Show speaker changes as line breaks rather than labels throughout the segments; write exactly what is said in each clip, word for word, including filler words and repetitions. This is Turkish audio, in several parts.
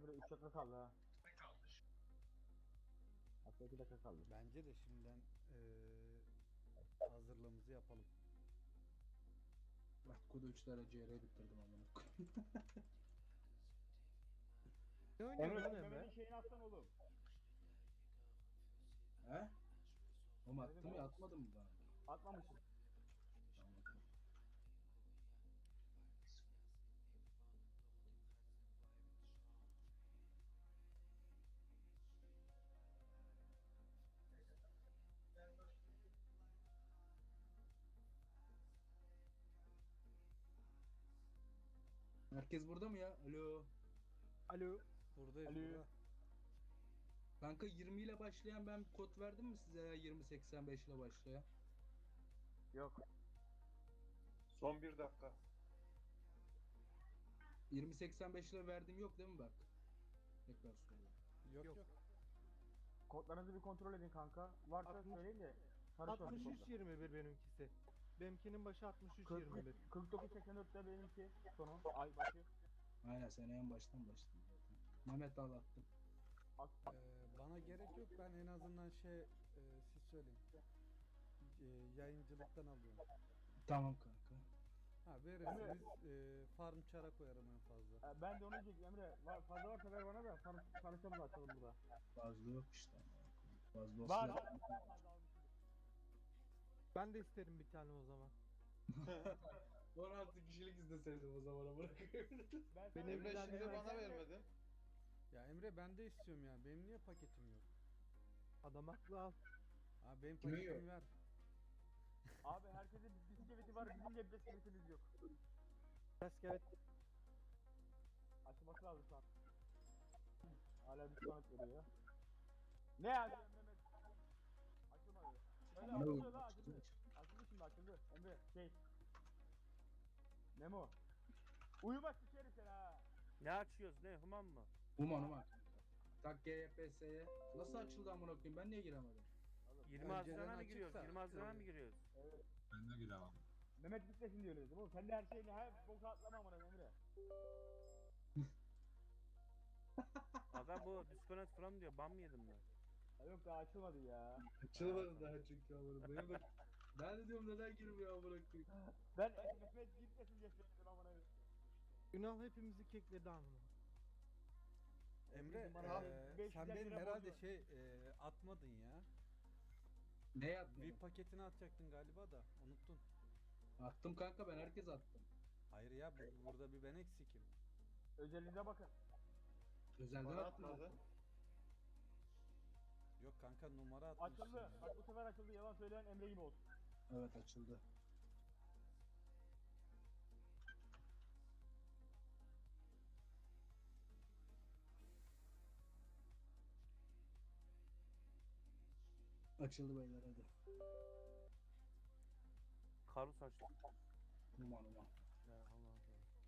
Emre üç dakika kaldı ha. Hatta iki dakika kaldı.
Bence de şimdiden eee hazırlığımızı yapalım.
Bak Kudu üç tane C R bitirdim amına koyayım.
Ne oynuyorsun
Emre
lan
sen
Emre?
Mehmet'in şeyini atsan oğlum.
He? Oğlum attım
Dedim
ya
ya.
atmadın mı bana?
Atmamışsın.
Tamam. Herkes burada mı ya? Alo.
Alo.
Buradayız
Alo.
burada.
Kanka yirmi ile başlayan ben kod verdim mi size ya yirmi seksen beş ile başlayan?
Yok.
Son bir dakika.
yirmi seksen beş ile verdim yok değil mi bak? Tekrar soruyorum.
Yok yok.
Yok.
Kodlarınızı bir kontrol edin kanka. Varsa
Altmış-
söyleyin de. karışmasın
altmış üç
kodlar.
yirmi bir benimkisi. Benimkinin başı altmış üç yirmi bir.
kırk kırk dokuz seksen dörtte benimki sonu. Ay başı.
Aynen sen en baştan başladın zaten. Mehmet al attım.
At.
Eee, bana gerek yok, ben en azından şey eee, siz söyleyin. Eee, yayıncılıktan alıyorum.
Tamam kanka.
Ha verirseniz eee, farm çara koyarım en fazla.
Ee, ben de onu diyecektim Emre. Var, fazla varsa ver bana da tanı tanışalım açalım burada.
Fazla yok işte. Fazla olsa
Var.
da-
var, fazla almışım.
Ben de isterim bir tane o zaman.
on altı kişilik izleseydim o zamana bırakıyorum.
Ben sana-
Benim
Emre
bir
şimdi
tane
bana
Emre-
vermedin.
Ya Emre ben de istiyorum ya. Benim niye paketim yok?
Adam haklı al.
Ha benim
Kimin
paketimi
yok?
ver.
Abi herkesin bisikleti var, bizim de bisikletimiz yok.
Basket.
Açılması lazım şu an. Hala bir sonuç veriyor. Ne yazıyor Mehmet? Açılmadı. Öyle
Ne
açıldı
oldu?
la açıldı. Açıldı şimdi açıldı. Emre şey. Memo. Uyuma sikerim seni ha.
Ne açıyoruz ne Human mı?
Uman uman. Tak G Y P S'ye. Nasıl açıldı amına koyayım ben niye giremedim?
yirmi
Önceden
Haziran'a mı
açıksa,
giriyoruz? yirmi Haziran'a mı
tabii.
giriyoruz?
Evet.
Ben de giremem.
Mehmet bitmesin diyor dedim oğlum. Sen de her şeyini her boka atlama amına Emre.
Aga bu disconnect from diyor. Ban mı yedim ben?
Ya yok daha açılmadı ya.
Açılmadı daha çünkü amına koyayım. Benim de ben de diyorum neden girmiyor amına koyayım.
Ben Mehmet gitmesin diye söyledim amına.
Ünal hepimizi kekledi anını.
Emre
Bana
eee,
beş
sen
yüz
benim
lira
herhalde
borcu.
şey eee, atmadın ya.
Ne yaptın?
V paketini atacaktın galiba da unuttun.
Attım kanka ben herkes attım.
Hayır ya bu- burada bir ben eksikim.
Özelliğine bakın.
Özelden
Bana
attım.
atmadı.
Yok kanka numara atmışsın.
Açıldı.
ya.
Bak bu sefer açıldı. Yalan söyleyen Emre gibi olsun.
Evet açıldı. Açıldı beyler hadi.
Karus açtık.
Uman uman.
Ya Allah Allah.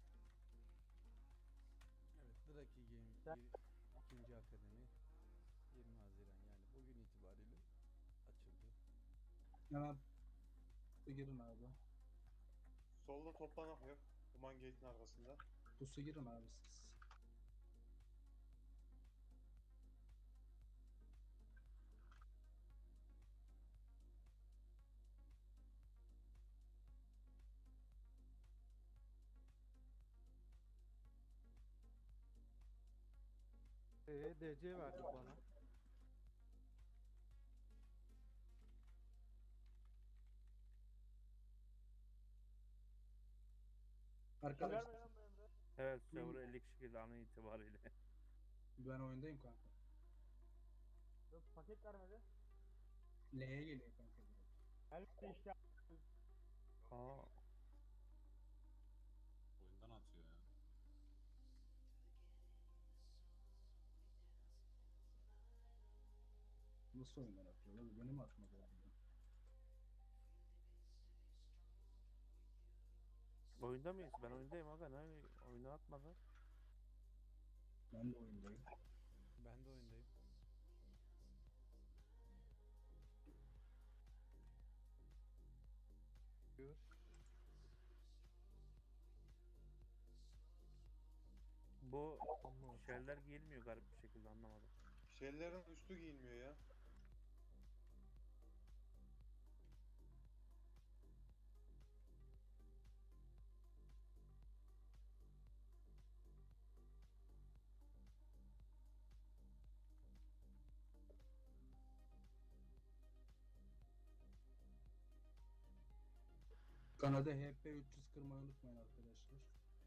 Evet Draki Game
Sen-
bir, ikinci akademi yirmi Haziran yani bugün itibariyle açıldı.
Hemen girin abi.
Solda toplanak yok. Human Gate'in arkasında.
Pusu girin abi siz.
Ee, D C verdik bana.
Arkadaşlar
Verme lan bu Emre.
Evet server elli kişi girdi an itibariyle.
ben oyundayım kanka.
Yok paket vermedi.
L'ye geliyor kanka.
Elbette işte.
Aa.
Oyundan atıyor ya.
Nasıl oyundan atıyor? Lan benim atmadı yani.
Oyunda mıyız? Ben oyundayım aga ne oyunu atmadı.
Ben de oyundayım.
Ben de oyundayım.
Diyor.
Bu
Ama
Şeyler giyilmiyor garip bir şekilde, anlamadım.
Şeylerin üstü giyilmiyor ya.
Kanada H P üç yüz kırmayı unutmayın arkadaşlar.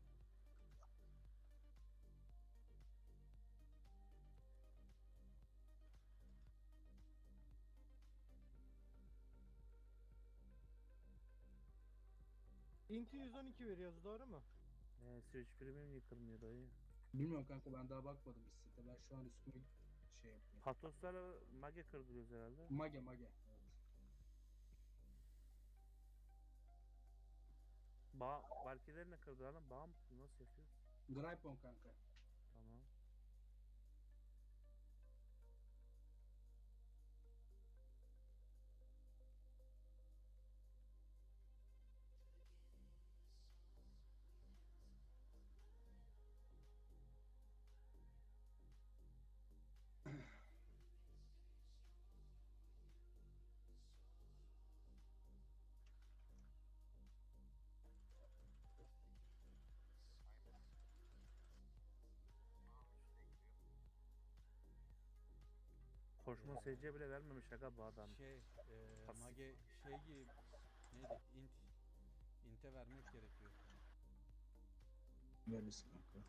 Inti yüz on iki veriyoruz, doğru mu?
Ee, Switch Premium yıkılmıyor dayı.
Bilmiyorum kanka, ben daha bakmadım site. Ben şu an üstümü şey yapıyorum.
Patoslarla mage kırdırıyoruz herhalde.
Mage mage. Evet.
Bağ, Valkylerine kırdıralım. Bağ mı? Nasıl yapıyoruz?
Gripon kanka.
Tamam. Koşma S C bile vermemiş aga bu adam.
Şey, e,
Pasif.
mage şey gibi neydi? Int. Int'e vermek gerekiyor.
Veririz kanka.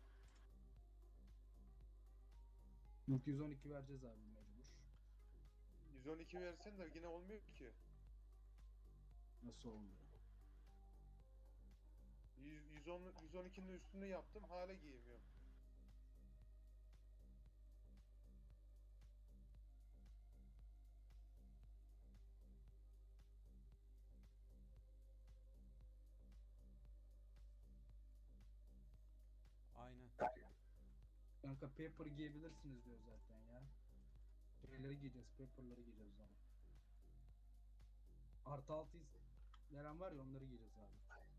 İlk yüz on iki vereceğiz abi mecbur.
yüz on iki versen de yine olmuyor ki.
Nasıl olmuyor?
yüz, yüz on, yüz on ikinin üstünü yaptım, hala giymiyorum.
Aynen.
Kanka paper giyebilirsiniz diyor zaten ya. Şeyleri giyeceğiz, paperları giyeceğiz o zaman. Artı altı veren var ya, onları giyeceğiz abi.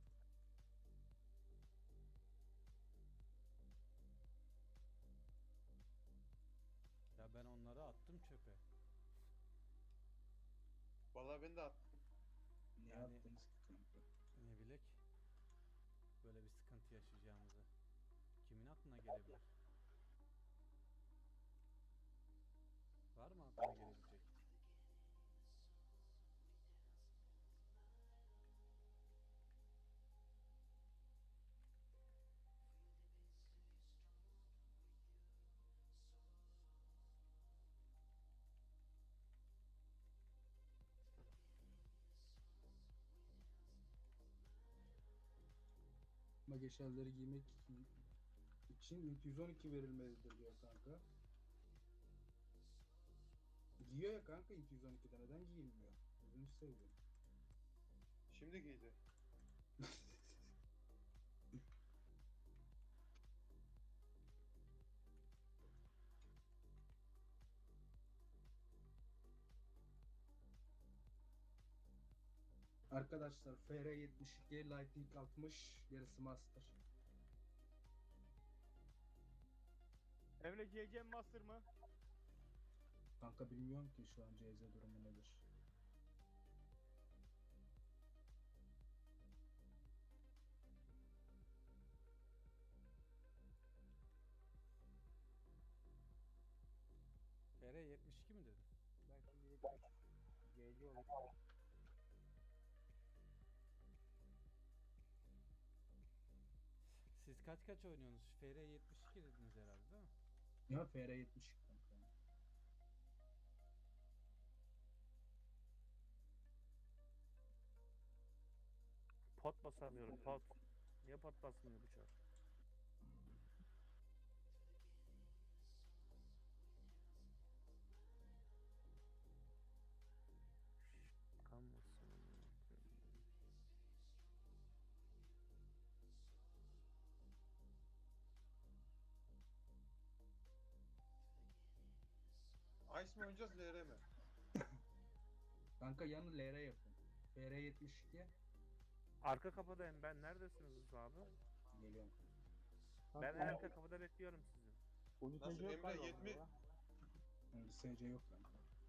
Ya ben onları attım çöpe.
Vallahi ben de attım.
Ne
Yani-
yaptınız ki kanka?
Ne bilek. Böyle bir sıkıntı yaşayacağımızı. Kimin aklına gelebilir? Var mı aklına gelebilecek?
Mage shell'leri giymek için yüz on iki verilmelidir diyor kanka. Giyiyor ya kanka yüz on ikide, neden giyilmiyor? Gözünü seveyim.
Şimdi giydi.
Arkadaşlar F R yetmiş iki, Lightning altmış, gerisi Master.
Emre C C Master mı?
Kanka bilmiyorum ki şu an C Z durumu nedir.
F R yetmiş iki mi dedin?
Ben şimdi yetmiş C C olayım.
Siz kaç kaç oynuyorsunuz? F R yetmiş iki dediniz herhalde değil mi?
Ya F R yetmiş iki kanka.
Pot basamıyorum, pot. Niye pot basmıyor bu çar? Kalmasın.
Ice mi oynayacağız, L R mi?
Kanka yanı L R yapın. F R yetmiş iki
Arka kapıdayım ben. Neredesiniz abi?
geliyorum.
Ben en arka kapıda bekliyorum sizi.
Ucu
Nasıl
tecrübe
Emre
galiba
yetmi
bunda ya.
Yani S C yok kanka.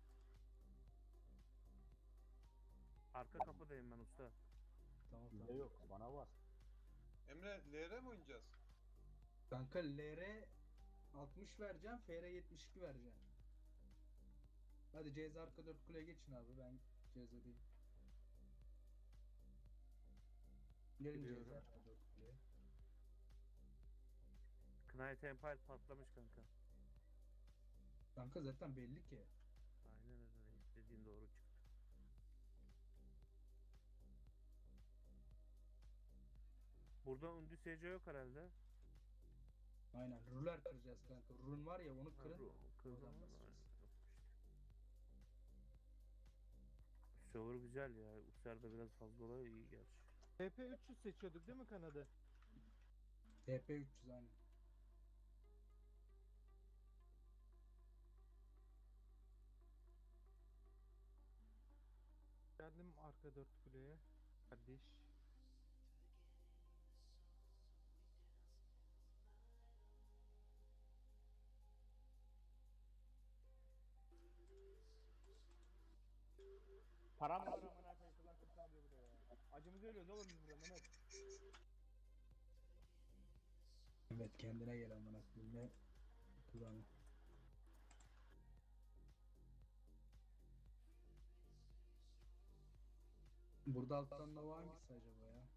Arka kapıdayım ben usta.
Tamam
Bizde
tamam.
yok. Bana var.
Emre L R mi oynayacağız?
Kanka L R altmış vereceğim, F R yetmiş iki vereceğim. Hadi C Z arka dört kuleye geçin abi, ben C Z'deyim. Gelin C Z
Giriyorum.
arka dört kuleye.
Knight Empire patlamış kanka.
Kanka zaten belli ki.
Aynen öyle. Dediğin doğru çıktı. Burada Undi S C yok herhalde.
Aynen ruler kıracağız kanka. Run var ya, onu
Ha,
kırın.
ru- kırdım
Oradan
ama
basacağız.
aynen, yokmuş. Server güzel ya. Uçlarda biraz fazla oluyor, iyi gerçi.
T P üç yüz seçiyorduk değil mi kanadı?
T P üç yüz aynen.
Geldim arka dört kuleye. Kardeş.
Param var amına koyayım. Kılan kırk diyor burada ya. Acımızı ölüyoruz oğlum biz burada Mehmet.
Evet, kendine gel amına koyayım. Ne kulağına. Burada alttan Nova hangisi acaba ya?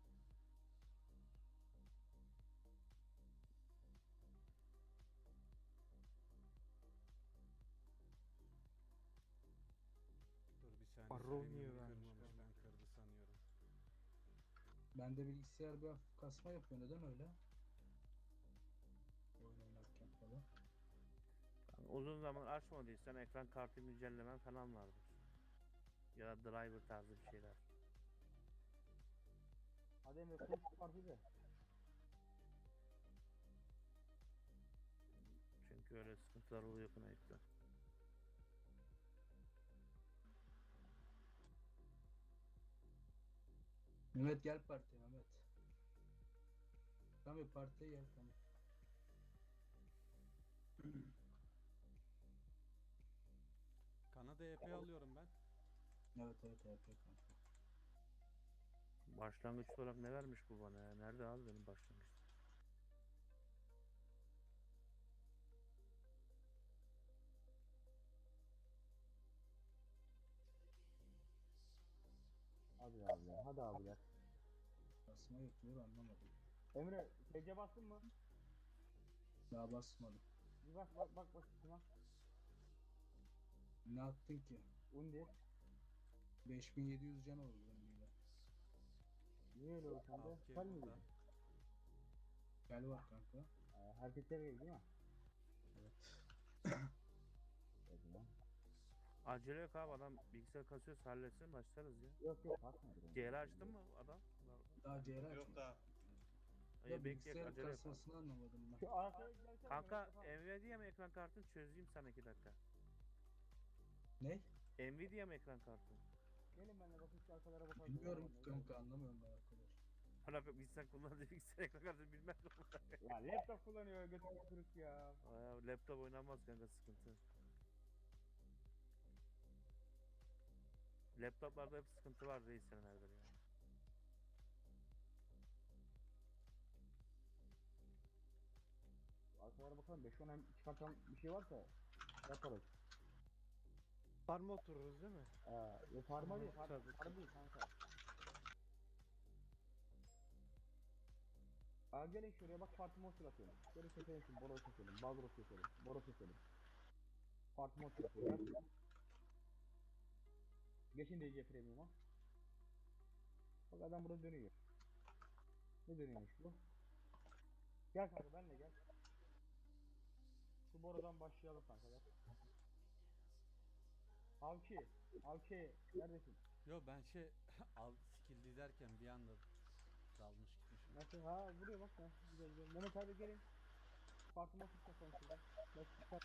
Dur bir saniye.
Baron
streamimi
niye vermiş
kırmamış,
bana?
ben kırdı sanıyorum.
Bende bilgisayar bir hafif kasma yapıyor, neden öyle? Oyun oynarken falan.
Yani uzun zaman açmadıysan ekran kartı güncellemen falan vardır. Ya da driver tarzı bir şeyler.
Hadi Emre kılıç partide.
Çünkü öyle sıkıntılar oluyor Knight'ta.
Mehmet gel partiye Mehmet. Tamam partiye gel tamam.
Kanada E P alıyorum ben.
Evet evet evet kanka.
Başlangıç olarak ne vermiş bu bana ya? Nerede abi benim başlangıç?
Hadi abiler. Hadi abiler.
Kasma yapıyor, anlamadım.
Emre T C bastın mı?
Daha basmadım.
Bir bak bak bak bak şuna.
Ne attın ki?
Undi.
beş bin yedi yüz can oldu önüyle.
Niye öyle oldu sende?
Halk
Sen mi
burada.
dedin?
Gel var kanka.
Ee, hareketler değil mi?
Evet.
Evet lan.
Acele yok abi, adam bilgisayar kasıyorsa halletsin, başlarız ya.
Yok yok bakmadım.
C R açtın mı adam?
Daha C R
Yok
açmadım.
daha.
İyi
Ya
bekleyek,
bilgisayar
acele yok.
kasmasını anlamadım ben.
Şu arkaya gidersene.
Kanka
Mehmet, yapalım.
Nvidia mı ekran kartın, çözeyim sana iki dakika.
Ne?
Nvidia mı ekran kartın?
Gelin benimle bakın şu arkalara bakalım.
Bilmiyorum ki kanka, anlamıyorum ben arkadaş.
Hala bir bilgisayar kullandığı bilgisayar ekran kartını bilmem ne.
Ya laptop kullanıyor götürü kırık ya.
Aa, laptop oynanmaz kanka, sıkıntı. Laptoplarda hep sıkıntı var reis senelerdir ya.
Arkalara bakalım. beş on hem çıkartan bir şey varsa yaparız.
Farma otururuz değil mi?
Ee, ya farma değil. Farma,
Tabii.
farma değil kanka. Aa gelin şuraya bak parti monster atıyorum. Gelin keselim şimdi Boros keselim. Balros keselim. Boros keselim. Parti monster atıyorum. Gel. Geçin D C Premium'a. Bak adam burada dönüyor. Ne dönüyormuş bu? Gel kanka benle gel. Şu borudan başlayalım kanka gel. Avki, Avki neredesin?
Yo ben şey al skill dizerken bir anda dalmış gitmişim.
Nasıl? Ha buraya bak ya. Güzel güzel. Mehmet abi gelin. Farkıma tutma sen şurada. Bak sen.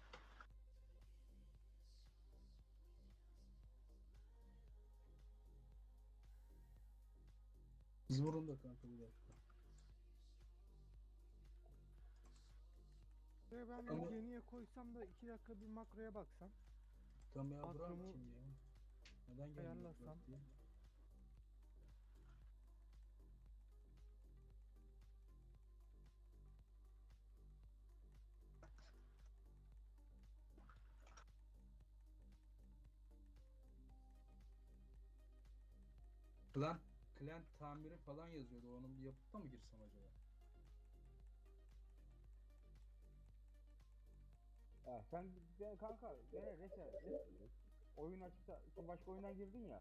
Biz vurun da kanka bir dakika.
Buraya ben
Ama-
bir yeniye koysam da iki dakika bir makroya baksam.
Tam ya Burak
Makromu
kim ya? Neden gelmiyor
ayarlasam.
Burak diye? Klan, klan tamiri falan yazıyordu. Onu bir yapıp da mı girsem acaba?
Ya sen de kanka gene reset, reset. Oyun açıkta şu başka oyundan girdin ya.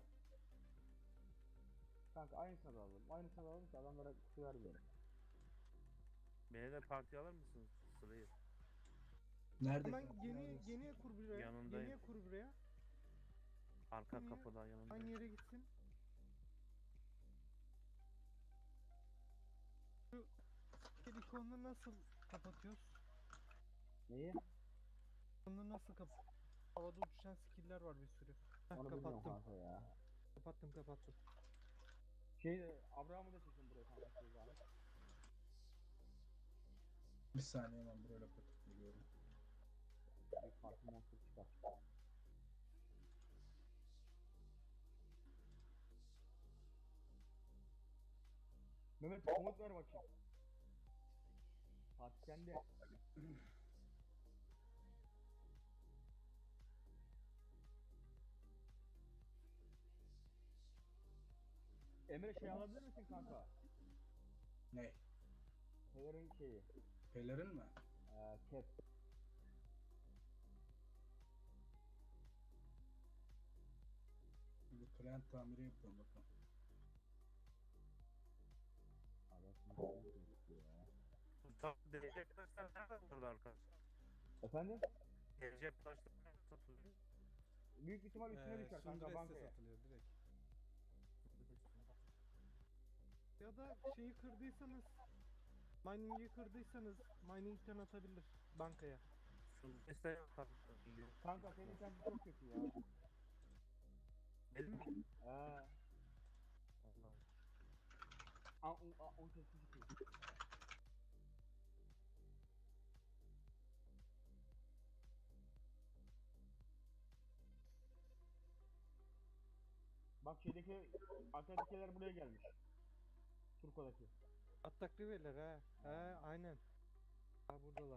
Kanka aynısını da alalım. Aynısını da alalım ki adamlara kutu vermeyelim.
Beni de partiye alır mısınız? Sırayı.
Nerede?
Hemen
kanka?
yeni
Neredesin?
yeniye kur buraya.
Yanındayım.
Yeniye kur buraya.
Arka
Niye?
kapıda yanımda.
Aynı yere gitsin. Şu skill ikonunu nasıl kapatıyoruz?
Neyi?
İkonunu nasıl kap? Havada uçuşan skill'ler var bir sürü. Heh,
Onu bilmiyorum
kapattım.
kanka ya.
Kapattım kapattım.
Şey Abraham'ı da çekin buraya kanka şey zahmet.
Bir saniye hemen buraya kapatıp geliyorum.
Bir farklı monster çıkar. Mehmet komut ver bakayım. Fatih sende. Emre şey alabilir misin kanka?
Ne?
Pelerin şeyi.
Pelerin mi?
Eee cap.
Bir klan tamiri yapıyorum bakalım.
Abi şimdi ben şey ya.
Tam derece taşlar nereden burada arkadaşlar?
Efendim?
Derece taşlar nereden satılıyor?
Büyük ihtimal üstüne
Ee,
düşer kanka
Sundress'te
bankaya.
satılıyor direkt.
Ya da şeyi kırdıysanız, mining'i kırdıysanız mining'den atabilir bankaya.
Sundres'te yok tabii.
Kanka senin internet çok kötü ya.
Benim mi?
Eee.
Allah'ım.
Aa, o, o sesi çıkıyor. Bak şeydeki arkadakiler buraya gelmiş. Turko'daki.
Atak riverler ha. He aynen. Ha buradalar.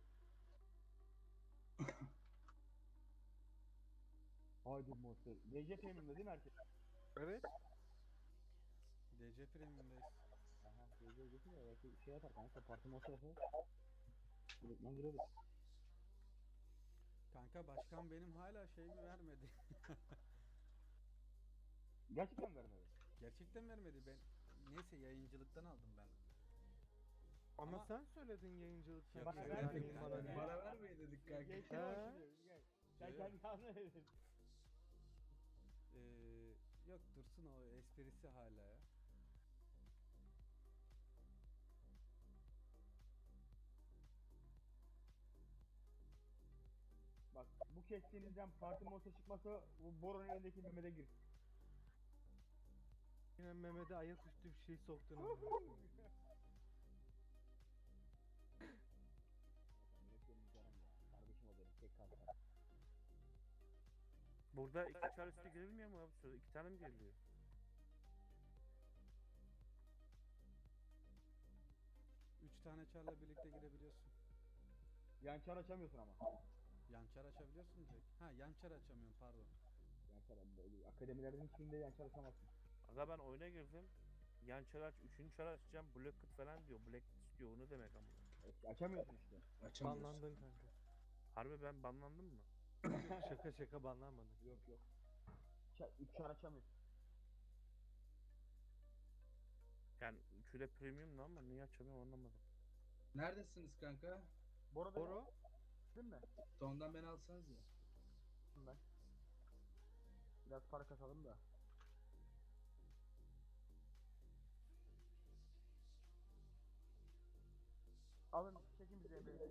Haydi monster. D C Premium'da değil mi herkes?
Evet.
D C Premium'dayız.
Aha D C geçin ya belki şey yapar kanka parti monster yapar. Direktmen gireriz.
Kanka başkan benim hala şeyimi vermedi.
Gerçekten vermedi.
Gerçekten vermedi ben. Neyse yayıncılıktan aldım ben.
Ama,
Ama-
sen söyledin yayıncılıkta.
Yok,
Bana
bir şey
vermedi
vermeyin
kanka.
bana diye.
Bana vermeyin dedik kanka.
Geçti
Ha.
bak şimdi. Gel. Sen
Yok.
kendi anladın.
Ee, yok dursun o esprisi hala ya.
Bak bu kestiğinizden parti monster çıkmasa bu Boron'un elindeki Mehmet'e gir.
Yine Mehmet'e ayaküstü bir şey soktun ama.
Mehmet benim canım ya. Kardeşim o benim tek kanka.
Burada iki çar üstü girilmiyor mu abi? Şurada iki tane mi giriliyor?
Üç tane çarla birlikte girebiliyorsun.
Yan çar açamıyorsun ama.
Yan çar açabiliyorsun direkt. Ha yan çar açamıyorum pardon.
Yan çar böyle akademilerden hiçbirinde yan çar açamazsın.
Aga ben oyuna girdim. Yan çar aç, üçüncü çar açacağım. Black Kit falan diyor. Black istiyor. O ne demek ama?
E, Açamıyorsun işte.
Açamıyorsun.
Banlandın kanka.
Harbi ben banlandım mı?
Şaka şaka banlanmadın.
Yok yok. Çar, üç çar açamıyorsun.
Yani üçü de premiumdu ama niye açamıyorum anlamadım.
Neredesiniz kanka?
Bora da
Boro.
değil mi?
Ondan beni alsanız ya.
Ben. Biraz para kasalım da. Alın çekin bize Emre'yi.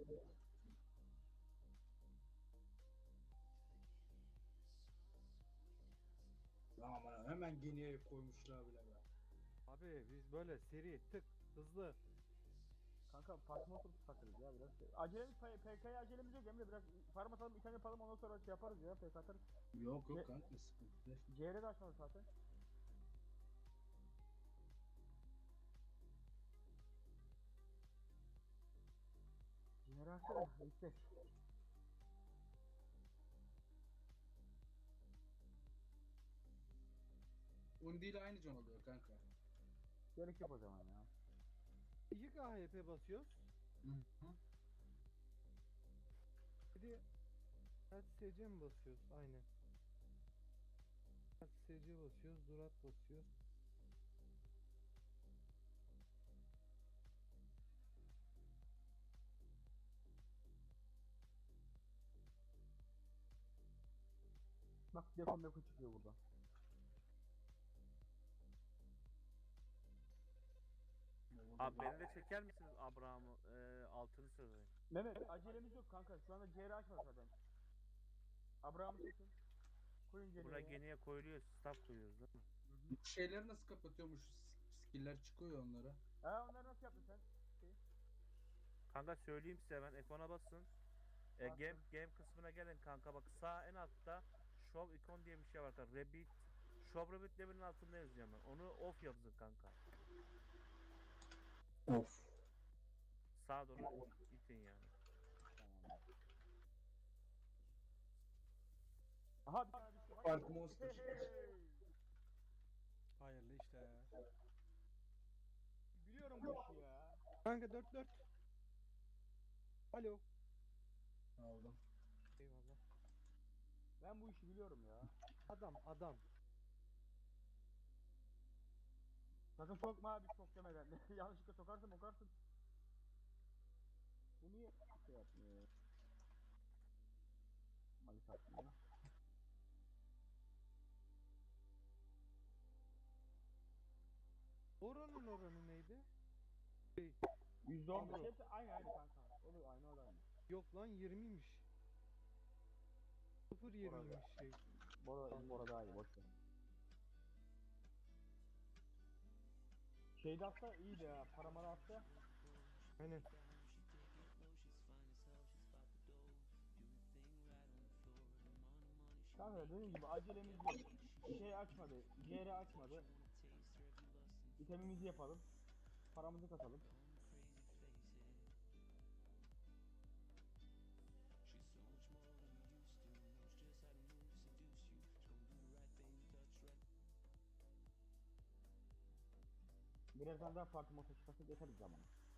Aman hemen geniye koymuşlar bile be.
Abi biz böyle seri tık hızlı.
Kanka Fatma oturup takırız ya biraz. Acelemiz P K'ya acelemiz yok Emre, biraz farm atalım, item yapalım, ondan sonra şey yaparız ya, P K atarız.
Yok
Ne-
yok kanka sıkıntı değil.
C R de açmadı zaten. C R açtı da yüksek.
Undi ile aynı can oluyor kanka.
Gerek yok o zaman ya.
İki K H P basıyoruz.
Hı hı.
Bir de Kaç S C mi basıyoruz? Aynen. Kaç S C basıyoruz, Durat basıyoruz.
Bak defon meko çıkıyor burada.
Abi beni de çeker misiniz Abraham'ı? Ee, altını sözü.
Mehmet acelemiz yok kanka, şu anda C R açmadı zaten. Abraham'ı çekin. Koyun C R'ye.
Buna geniye koyuluyor, staff koyuyoruz değil mi?
Bu şeyleri nasıl kapatıyormuş? Skiller çıkıyor onlara.
Ha, onları nasıl yaptın sen?
Kanka söyleyeyim size, ben F on'a basın. E,
Bastım.
game, game kısmına gelin kanka, bak sağ en altta Show icon diye bir şey var kanka. Rabbit. Show Rabbit level'in altında yazacağım ben. Onu off yapın kanka.
Of.
Sağa doğru itin yani.
Aha bir tane düştü.
Fark Monster.
Hayırlı işte.
Biliyorum bu işi ya.
Kanka dört dört. Alo.
Aldım.
Eyvallah.
Ben bu işi biliyorum ya.
Adam adam.
Sakın sokma abi, çok demeden. Yanlışlıkla sokarsın okarsın. Bu niye şey yapmıyor? Mali satmıyor.
Oranın oranı neydi? Şey,
yüzde on
Avro.
hepsi aynı aynı kanka. Olur aynı oran.
yok lan yirmiymiş. sıfır yirmiymiş şey.
Bora, Bora daha iyi, boş ver. Şeyde atsa iyiydi ya, paramara atsa.
Aynen.
Kanka dediğim gibi acelemiz yok. Şey açmadı, C R açmadı. İtemimizi yapalım. Paramızı katalım. Birazdan daha farklı motor çıkarsa yeteriz zamanı.